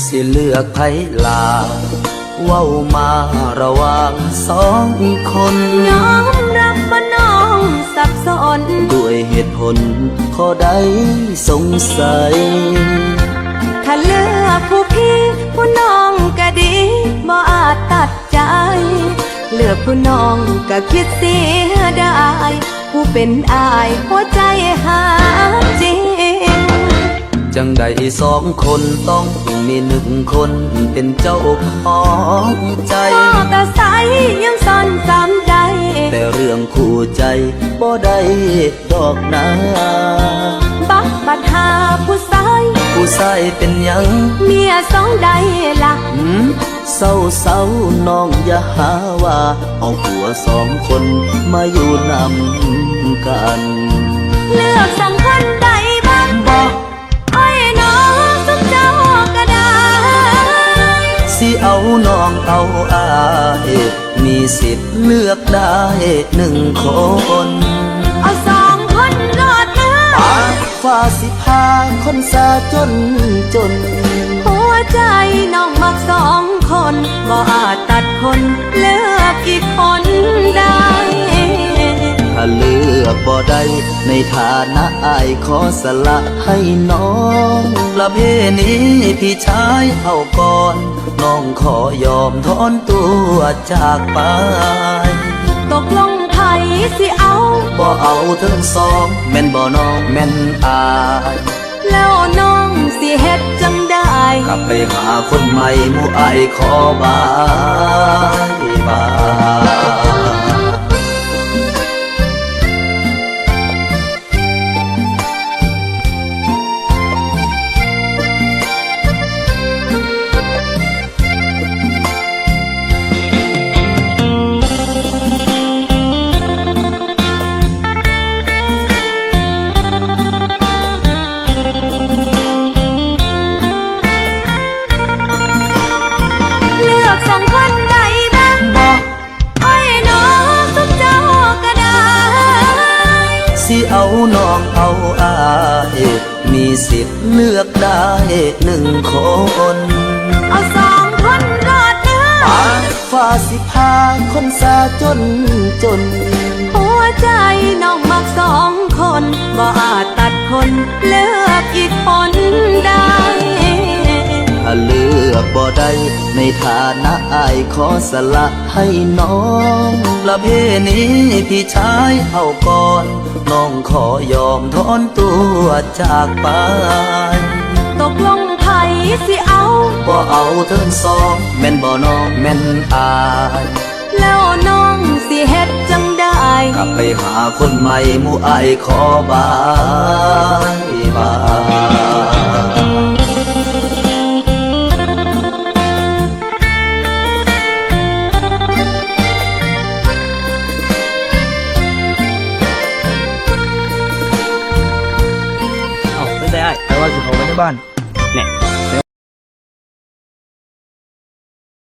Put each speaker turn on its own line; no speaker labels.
สิเลือกไผลาเว้ามาระหว่างสองคน
ยอมรับว่าน้องสับสน
ด้วยเหตุผลข้อใดสงสัย
ถ้าเลือกผู้พี่ผู้น้องก็ดีบ่อาจตัดใจเลือกผู้น้องก็คิดเสียดายผู้เป็นอายหัวใจหาจริง
จังใดสองคนต้องมีหนึ่งคนเป็นเจ้าของใจ
พ่อตาใสยังซ่อนจำใจ
แต่เรื่องคู่ใจบ่ได้ดอกนา
บักบัดหาผู้ชาย
เป็นยัง
เมียสองใดล่ะ
เศร้าน้องอย่าหาว่าเอาผัวสองคนมาอยู่นำกัน
เลือกสังคนใดบ้าง
บอก
ไอ้น้องสุขเจ้าก็ได้
สิเอาน้องเอาอายมีสิทธิ์เลือกได้หนึ่งคน
เอาสองคนรอดนะ
ฟ้าสิพาคนสาจน
หัวใจน้องมักสองคนบ่อาจตัดคนเลือกอีกคนได้
ถ้าเลือกบ่ได้ในฐานะอายขอสละให้น้องละเพนี้พี่ชายเอาก่อนน้องขอยอมถอนตัวจากไป
ตกลงไผสิเอา
บ่เอาทั้งสองแม่นบ่น้องแม่นอาย
แล้วน้องสิเฮ็ดจังได้
กลับไปหาคนใหม่หมู่อายขอบาย
สองคนใดบ้าง
บอก
ไอ้น้องสุขเจ้าก็ได้
สิเอาน้องเอาอายมีสิทธิ์เลือกได้หนึ่งคน
เอาสองคนรอดเนื้อ
ฟ้าสิพาคนสาจน
หัวใจน้องมักสองคนบ่อาจตัดคนเลือกอีกคนได้
ถ้าเลือกบ่ได้ในฐานะอายขอสละให้น้องละเพนี้พี่ชายเอาก่อนน้องขอยอมถอนตัวจากไป
ตกลงไผสิเอา
บ่เอาทั้งสองแม่นบ่น้องแม่นอาย
แล้วน้องสิเฮ็ดจังได้
กลับไปหาคนใหม่หมู่อายขอบาย
แต่ว่าสิเขาไว้ในบ้านเนี่ย